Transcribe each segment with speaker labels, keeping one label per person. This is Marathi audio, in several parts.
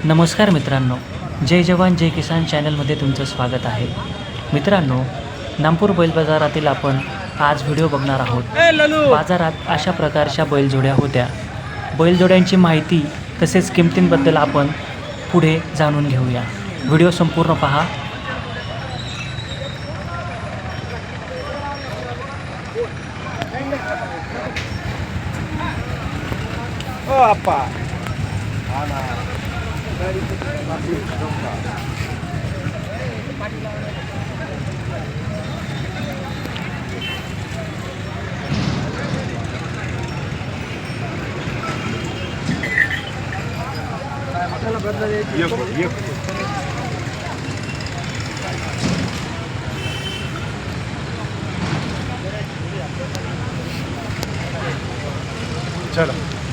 Speaker 1: नमस्कार मित्रांनो, जय जवान जय किसान चॅनलमध्ये तुमचं स्वागत आहे. मित्रांनो, नामपूर बैल बाजारातील आपण आज व्हिडिओ बघणार आहोत. बाजारात अशा प्रकारच्या बैलजोड्या होत्या. बैलजोड्यांची माहिती तसेच किमतींबद्दल आपण पुढे जाणून घेऊया. व्हिडिओ संपूर्ण पहा.
Speaker 2: ओ अप्पा आना चलो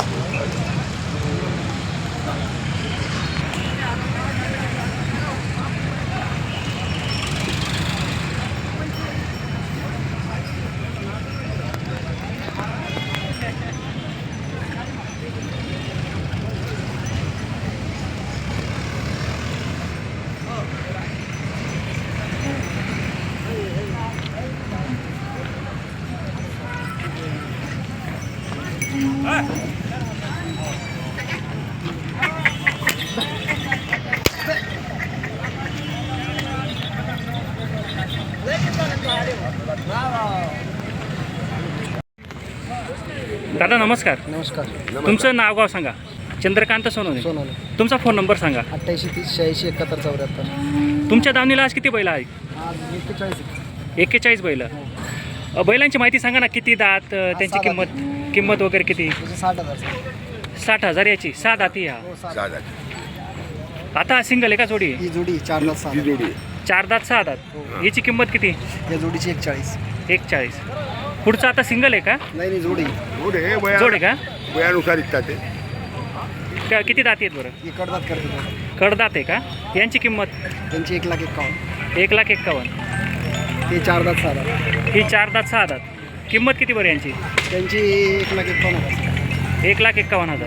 Speaker 1: दादा नमस्कार.
Speaker 2: नमस्कार.
Speaker 1: तुमचं नाव गाव सांगा. चंद्रकांत सोनवणे. तुमचा फोन नंबर सांगा.
Speaker 2: 88 30 86 71 74.
Speaker 1: तुमच्या दावणीला आज किती बैल आहेत?
Speaker 2: आज
Speaker 1: 41 बैल. बैलांची माहिती सांगा ना. किती दात, त्यांची
Speaker 2: सहा
Speaker 1: किंमत वगैरे किती?
Speaker 2: 60,000.
Speaker 1: 60,000 याची. 6 दाती ह्या.
Speaker 2: हो, 6,000.
Speaker 1: आता सिंगल आहे का जोडी?
Speaker 2: ही जोडी 4 दात 6 जोडी.
Speaker 1: 4 दात 6 दात.
Speaker 2: हो.
Speaker 1: याची किंमत किती?
Speaker 2: या जोडीची 41.
Speaker 1: 41. पुढचं आता सिंगल आहे का?
Speaker 2: नाही जोडी
Speaker 1: जोड आहे का?
Speaker 3: वयानुसार इच्छा ते
Speaker 1: किती दाती आहेत बरं?
Speaker 2: ही कडदात करते.
Speaker 1: कडदात आहे का? यांची किंमत?
Speaker 2: त्यांची 1,51,000.
Speaker 1: 1,51,000.
Speaker 2: ते 4 दात 6 दात.
Speaker 1: ही 4 दात 6 दात. किंमत किती बरं यांची?
Speaker 2: त्यांची 1,51,000.
Speaker 1: 1,51,000.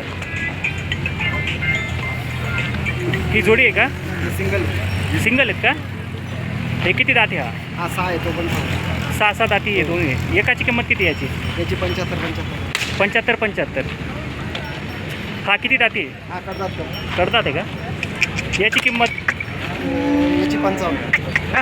Speaker 1: ही जोडी आहे का?
Speaker 2: सिंगल.
Speaker 1: सिंगल आहेत का? हे किती दाती हा?
Speaker 2: हा 6 आहे तो पण
Speaker 1: 6 दाती आहे दोन्ही. एकाची किंमत किती याची?
Speaker 2: याची 75.
Speaker 1: 75. हा किती दाती आहे?
Speaker 2: हा कडदात करतो.
Speaker 1: कडदात आहे का? याची किंमत?
Speaker 2: याची 55.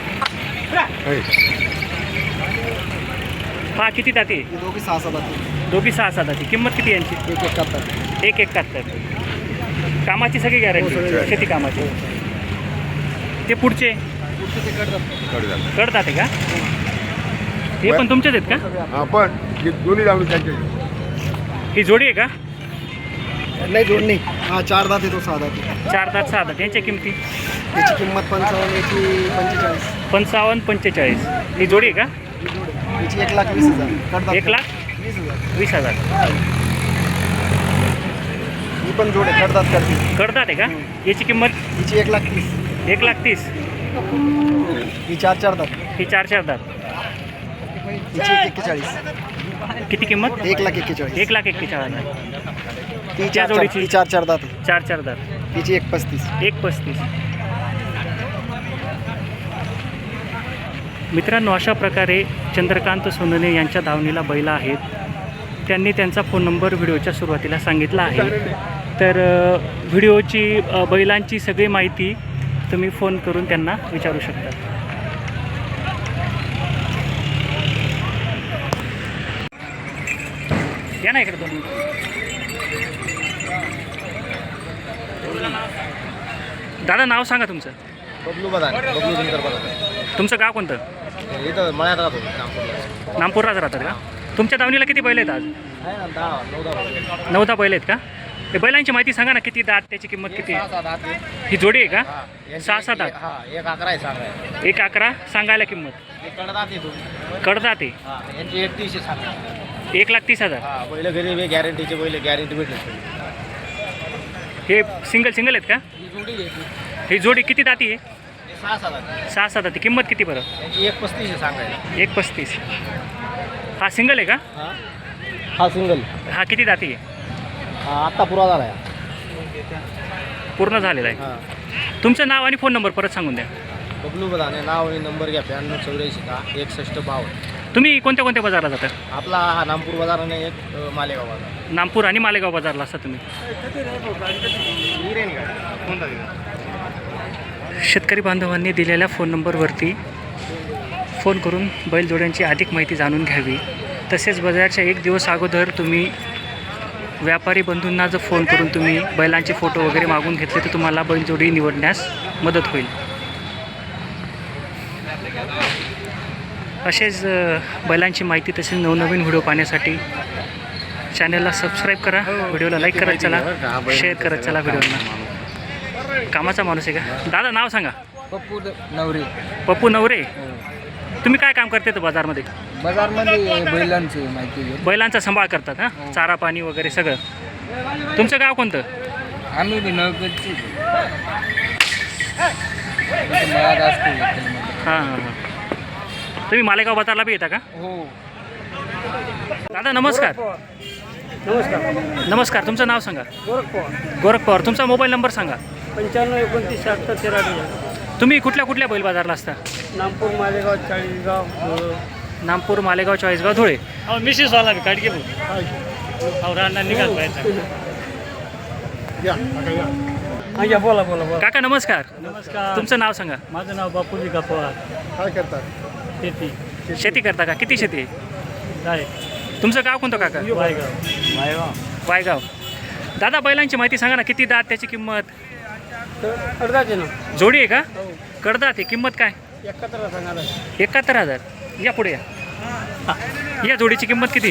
Speaker 1: हा किती दाती आहे?
Speaker 2: ही दोघी 6 दात.
Speaker 1: दोघी 6 दाती. किंमत किती यांची?
Speaker 2: 1,71.
Speaker 1: 1,71. कामाची सगळी
Speaker 2: हो,
Speaker 1: गॅरंटी?
Speaker 2: सगळी.
Speaker 1: शेती कामाची. ते पुढचे
Speaker 2: ते कडदात.
Speaker 1: कडदात आहे का? हे पण तुमचेच आहेत का?
Speaker 3: हा पण दोन्ही लावून त्यांचे
Speaker 1: ही जोडी आहे का?
Speaker 2: नाही जोड नाही. हा 4 दात आहे तो 6 दात.
Speaker 1: 4 दात 6 दात. यांच्या किमती?
Speaker 2: याची किंमत 55. याची 45.
Speaker 1: 55-45. ही जोडी आहे का?
Speaker 2: याची 1,20,000. कडदात
Speaker 1: 1,20,000.
Speaker 2: ही पण जोड आहे. कडदात करते.
Speaker 1: कडदात आहे का? याची किंमत?
Speaker 2: हिची 1,30,000.
Speaker 1: 1,30,000.
Speaker 2: ही 4 दात.
Speaker 1: ही 4 दात.
Speaker 2: हिची 1,41,000.
Speaker 1: किती किंमत?
Speaker 2: 1,41,000.
Speaker 1: 1,41,000.
Speaker 2: ती
Speaker 1: त्या जोडीची?
Speaker 2: ही 4 दात आहे.
Speaker 1: 4 दात.
Speaker 2: हिची 1,35,000.
Speaker 1: 1,35,000. मित्रांनो, अशा प्रकारे चंद्रकांत सोनवणे यांच्या धावणीला बैल आहेत. त्यांनी त्यांचा फोन नंबर व्हिडिओच्या सुरुवातीला सांगितला आहे. तर व्हिडिओची बैलांची सगळी माहिती तुम्ही फोन करून त्यांना विचारू शकता. या ना इकडे 2 मिनिट. दादा नाव सांगा तुमचं.
Speaker 2: बबलू सुंदर बघा.
Speaker 1: तुमचं गाव कोणतं?
Speaker 2: इथं मळ्यात राहतो.
Speaker 1: नामपूरलाच राहतात का? तुमच्या दावणीला किती बैल आहेत आज? 9-10 बैल आहेत का? ते बैलांची माहिती सांगा ना. किती दात, त्याची किंमत किती? ही जोडी आहे का? 6-7 दात. 1,11 सांगायला किंमत. कडदात आहे. 1,30,000.
Speaker 2: बैल घरी गॅरंटीचे बैल गॅरंटी भेटले.
Speaker 1: हे सिंगल आहेत का? ही जोडी किती दाती आहे? 6-7 दाती. किंमत किती बरं?
Speaker 2: 1,35 सांगायला.
Speaker 1: 1,35. हा सिंगल आहे का?
Speaker 2: हा सिंगल.
Speaker 1: हा किती दाती आहे?
Speaker 2: हा आत्ता पुरा झाला आहे.
Speaker 1: पूर्ण झालेला आहे.
Speaker 2: हां
Speaker 1: तुमचं नाव आणि फोन नंबर परत सांगून द्या.
Speaker 2: बबलू बदाने नाव आणि नंबर घ्या 9284
Speaker 1: तुम्ही कोणत्या कोणत्या बाजारला जाता?
Speaker 2: आपला हा नामपूर बाजार आणि एक मालेगाव बाजार.
Speaker 1: नागपूर आणि मालेगाव बाजारला असता तुम्ही. शेतकरी बांधवांनी दिलेल्या फोन नंबरवरती फोन करून बैलजोड्यांची अधिक माहिती जाणून घ्यावी. तसेच बाजाराच्या एक दिवस अगोदर तुम्ही व्यापारी बंधूंना जर फोन करून तुम्ही बैलांचे फोटो वगैरे मागून घेतले तर तुम्हाला बैलजोडी निवडण्यास मदत होईल. असेच बैलांची माहिती तसेच नवनवीन व्हिडिओ पाहण्यासाठी चॅनलला सबस्क्राईब करा, व्हिडिओला लाईक करत चला, शेअर करत चला व्हिडिओला. कामाचा माणूस आहे का दादा? नाव सांगा.
Speaker 2: पप्पू नवरे.
Speaker 1: पप्पू नवरे. तुम्ही काय काम करते तर बाजारमध्ये?
Speaker 2: बाजारमध्ये बैलांची माहिती घेऊ.
Speaker 1: बैलांचा सांभाळ करतात हां, चारा पाणी वगैरे सगळं. तुमचं गाव कोणतं?
Speaker 2: आम्ही बी नवगतची
Speaker 1: हां हां हां. तुम्ही मालेगाव बाजारला बी येता का?
Speaker 2: हो.
Speaker 1: दादा नमस्कार.
Speaker 2: नमस्कार.
Speaker 1: नमस्कार. तुमचं नाव सांगा. गोरख पवार. तुमचा मोबाईल नंबर सांगा.
Speaker 2: 95 29 78 13.
Speaker 1: तुम्ही कुठल्या कुठल्या बैल बाजारला असता?
Speaker 2: नामपूर मालेगाव चाळीसगाव.
Speaker 1: नागपूर मालेगाव चाळीसगाव धुळे.
Speaker 2: मिसेस वाला बी काढ घे रांना निघाल पाहिजे. बोला बोला बोला.
Speaker 1: काका नमस्कार.
Speaker 2: नमस्कार.
Speaker 1: तुमचं नाव सांगा.
Speaker 2: माझं नाव बापूजी का पवार. काय करतात? शेती.
Speaker 1: शेती करता का? किती शेती आहे? तुमचं गाव कोणतं काका?
Speaker 2: वायगाव.
Speaker 1: वायगाव. दादा बैलांची माहिती सांगा ना. किती दात, त्याची किंमत?
Speaker 2: अर्धाचे ना.
Speaker 1: जोडी आहे का? कडदात आहे. किंमत काय?
Speaker 2: 71 सांगायला.
Speaker 1: 71,000. या पुढे या. या जोडीची किंमत किती?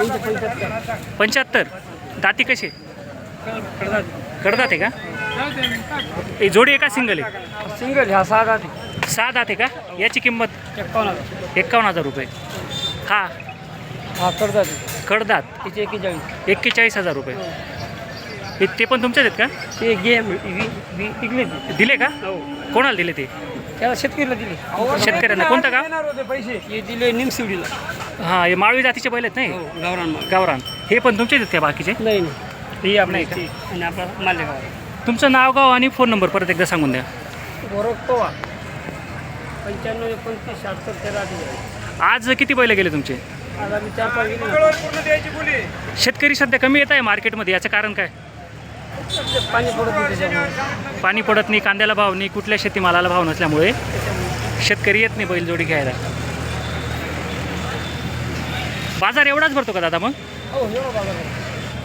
Speaker 1: 75. दाती कशी? कडदात आहे का? ही जोडी आहे का सिंगल आहे?
Speaker 2: सिंगल ह्या 6 दात.
Speaker 1: 6 दात आहे का? याची किंमत 51,000 रुपये. हा
Speaker 2: हा करतात.
Speaker 1: कडदात
Speaker 2: तिचे 41.
Speaker 1: 41,000 रुपये. ते पण तुमचेच आहेत का?
Speaker 2: ते गेम विकले
Speaker 1: दिले का?
Speaker 2: हो.
Speaker 1: कोणाला दिले ते?
Speaker 2: त्याला शेतकरीला दिले.
Speaker 1: शेतकऱ्यांना. कोणतं गाव?
Speaker 2: पैसे हे दिले निमसिवडीला.
Speaker 1: हां, हे माळवी जातीचे बैल आहेत नाही?
Speaker 2: गावरान.
Speaker 1: गावरान. हे पण तुमचेच आहेत का बाकीचे?
Speaker 2: नाही ही
Speaker 1: नाही का?
Speaker 2: आणि आपला मालेगाव.
Speaker 1: तुमचं नाव, गाव आणि फोन नंबर परत एकदा सांगून द्या.
Speaker 2: गोरख पवार. 95 29 78 13.
Speaker 1: आज किती बैल गेले तुमचे?
Speaker 2: आज आम्ही 4-5 गेले.
Speaker 1: शेतकरी सध्या कमी येत आहे मार्केटमध्ये. याचं कारण काय?
Speaker 2: पाणी पडत नाही त्याच्यामुळे.
Speaker 1: पाणी पडत नाही, कांद्याला भाव नाही, कुठल्या शेतीमालाला भाव नसल्यामुळे शेतकरी येत नाही बैलजोडी घ्यायला. बाजार एवढाच भरतो का दादा मग?
Speaker 2: हो एवढं बाजार आहे.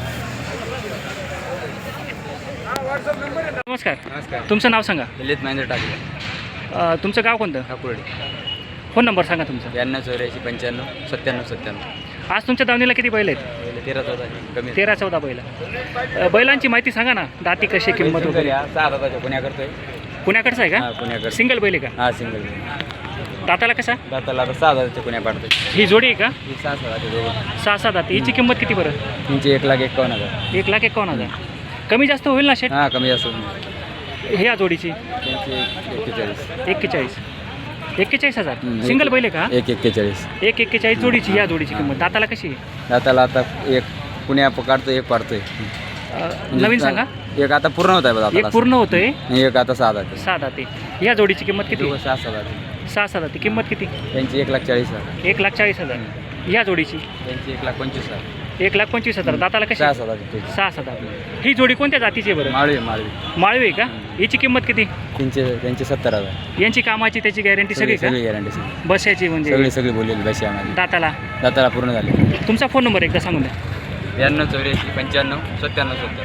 Speaker 1: नमस्कार.
Speaker 4: नमस्कार.
Speaker 1: तुमचं नाव सांगा.
Speaker 4: ललित महेंद्र टाकले.
Speaker 1: तुमचं गाव कोणतं?
Speaker 4: ठाकुर्डी.
Speaker 1: फोन नंबर सांगा तुमचा.
Speaker 4: 92 84 95 97 97.
Speaker 1: आज तुमच्या दावणीला किती बैल आहेत?
Speaker 4: पहिले 13 14 कमी
Speaker 1: 13-14 बैल. बैलांची माहिती सांगा ना. दाती कशी, किंमत वगैरे?
Speaker 4: 6 दादाच्या पुण्या करतोय.
Speaker 1: पुण्याकडचं आहे
Speaker 4: हा
Speaker 1: का?
Speaker 4: पुण्याकडे.
Speaker 1: सिंगल बैल आहे का?
Speaker 4: हा सिंगल.
Speaker 1: दाताला कसा?
Speaker 4: दाताला आता 6 दादाच्या पुण्या पाडतोय.
Speaker 1: ही जोडी आहे का?
Speaker 4: ही 6 दादाचे दोघं.
Speaker 1: 6-6 दाती. हिची किंमत किती बरं?
Speaker 4: त्यांची 1,51,000.
Speaker 1: 1,51,000. कमी जास्त होईल ना शेट?
Speaker 4: हा कमी जास्त होईल.
Speaker 1: ह्या जोडीची
Speaker 4: त्यांची 41.
Speaker 1: 41,000. सिंगल बैल आहे का?
Speaker 4: 1,41.
Speaker 1: 1,41 जोडीची. या जोडीची किंमत दाताला कशी आहे?
Speaker 4: दाताला आता एक पुण्या काढतोय, एक पाडतोय.
Speaker 1: नवीन सांगा.
Speaker 4: एक आता पूर्ण होत आहे बघा.
Speaker 1: एक पूर्ण होतोय.
Speaker 4: एक आता 6 दाते.
Speaker 1: 6 दाती. या जोडीची किंमत किती?
Speaker 4: 6 दाते.
Speaker 1: 6 दाती. किंमत किती?
Speaker 4: त्यांची 1,40,000.
Speaker 1: 1,40,000. या जोडीची
Speaker 4: त्यांची 1,25,000.
Speaker 1: 1,25,000. दाताला कशी?
Speaker 4: 6 दाते.
Speaker 1: 6 दाती. ही जोडी कोणत्या जातीची आहे बरं?
Speaker 4: माळवी.
Speaker 1: माळवी आहे का? हिची किंमत किती?
Speaker 4: त्यांचे 70,000.
Speaker 1: यांची कामाची त्याची गॅरंटी सगळी का?
Speaker 4: सगळी गॅरंटी सगळी
Speaker 1: बसायची म्हणजे
Speaker 4: सगळी बोललेली बस आम्हाला.
Speaker 1: दाताला
Speaker 4: पूर्ण झाले.
Speaker 1: तुमचा फोन नंबर एकदा सांगून द्या.
Speaker 4: 92 84 95 97 70.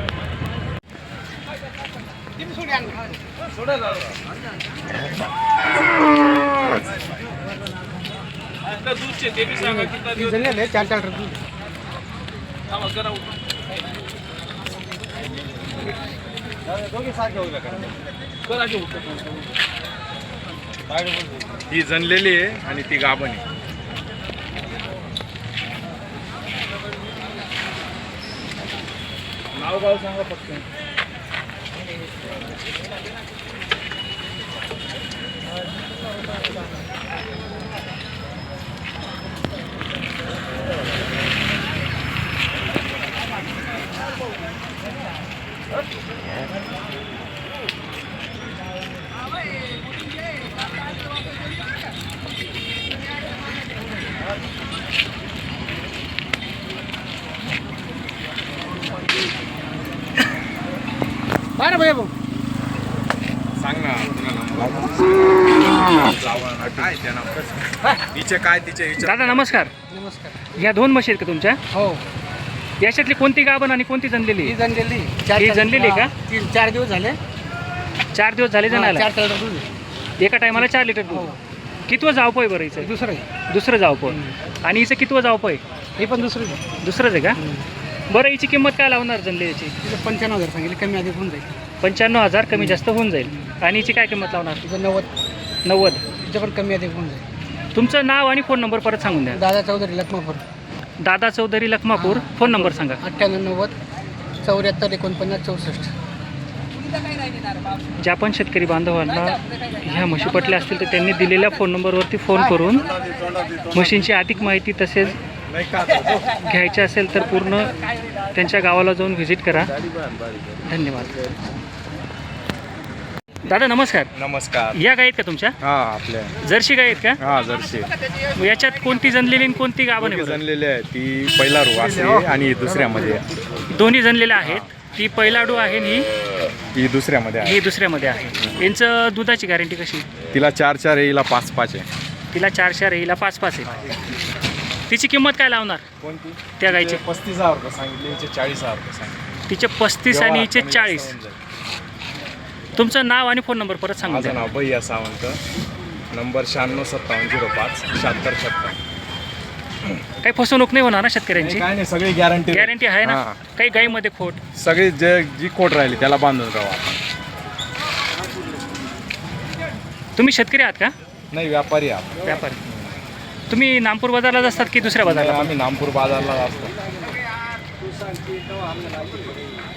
Speaker 3: ही जनलेली आहे आणि ती गाभण आहे. नाव गाव सांगा फक्त.
Speaker 2: बारा भैया भाऊ
Speaker 3: सांग ना तुला नंबर काय त्या नंबर तिचे काय तिचे विचार
Speaker 1: दादा नमस्कार.
Speaker 2: नमस्कार.
Speaker 1: ह्या 2 म्हशी आहेत का तुमच्या?
Speaker 2: हो
Speaker 1: याच्यातली कोणती गाभण आणि कोणती जनलेली?
Speaker 2: ही जनलेली
Speaker 1: ही जनलेली का?
Speaker 2: 4 दिवस झाले.
Speaker 1: 4 दिवस झाले जणाला.
Speaker 2: 4 लिटर दूध आहे.
Speaker 1: एका टायमाला 4 लिटर दूध. कितवं जावपं आहे बरं हिचं?
Speaker 2: दुसरं आहे.
Speaker 1: दुसरं जावपं. आणि हिचं कितवं जावपं आहे?
Speaker 2: हे पण दुसरं आहे.
Speaker 1: दुसरंच आहे का? बरं हिची किंमत काय लावणार जनलेची?
Speaker 2: तिथं 95,000 सांगितले, कमी अधिक होऊन जाईल.
Speaker 1: 95,000 कमी जास्त होऊन जाईल. आणि हिची काय किंमत लावणार?
Speaker 2: तिथं 90.
Speaker 1: 90.
Speaker 2: तिथं पण कमी अधिक होऊन जाईल.
Speaker 1: तुमचं नाव आणि फोन नंबर परत सांगून द्या.
Speaker 2: दादा चौधरी लखमापूर.
Speaker 1: दादा चौधरी लखमापूर. फोन नंबर सांगा.
Speaker 2: 98 90 74 49 64.
Speaker 1: ज्या पण शेतकरी बांधवांना ह्या म्हशी पटल्या असतील तर त्यांनी दिलेल्या फोन नंबरवरती फोन करून म्हशींची अधिक माहिती तसेच घ्यायची असेल तर पूर्ण त्यांच्या गावाला जाऊन व्हिजिट करा. धन्यवाद. दादा नमस्कार.
Speaker 3: नमस्कार.
Speaker 1: या गाय आहेत का तुमच्या?
Speaker 3: हा आपल्या
Speaker 1: जर्सी गाय आहेत का?
Speaker 3: हा जर्सी
Speaker 1: याच्यात कोणती जनलेली आणि कोणती गाभण आहे?
Speaker 3: जनलेली आहे ती पहिला रू असते आणि ही दुसऱ्यामध्ये आहे.
Speaker 1: दोन्ही जनलेल्या आहेत. ती पहिलाडू आहे आणि
Speaker 3: ही दुसऱ्यामध्ये आहे.
Speaker 1: ही दुसऱ्यामध्ये आहे. यांचं दुधाची गॅरंटी कशी?
Speaker 3: तिला 4 येईला 5 आहे.
Speaker 1: तिला 4 येईला 5 आहे. तिची किंमत काय लावणार
Speaker 3: कोणती?
Speaker 1: त्या गायची?
Speaker 3: 35,000 रुपये सांगितले, हिचे 40,000 रुपये सांगितले.
Speaker 1: तिचे 35 आणि हिचे 40. तुमचं नाव आणि फोन नंबर परत सांगा.
Speaker 3: माझं नाव भैया सावंत. नंबर 96 57 05 76 76.
Speaker 1: काही फसवणूक नाही होणार ना शेतकऱ्यांची?
Speaker 3: काय नाही, सगळी गॅरंटी
Speaker 1: गॅरंटी आहे ना? काही गाईमध्ये खोट?
Speaker 3: सगळी जी खोट राहिली त्याला बांधून राहू आपण.
Speaker 1: तुम्ही शेतकरी आहात का?
Speaker 3: नाही, व्यापारी आहे.
Speaker 1: व्यापारी. तुम्ही नामपूर बाजारला असतात की दुसऱ्या बाजारला?
Speaker 3: आम्ही नामपूर बाजारला असतो.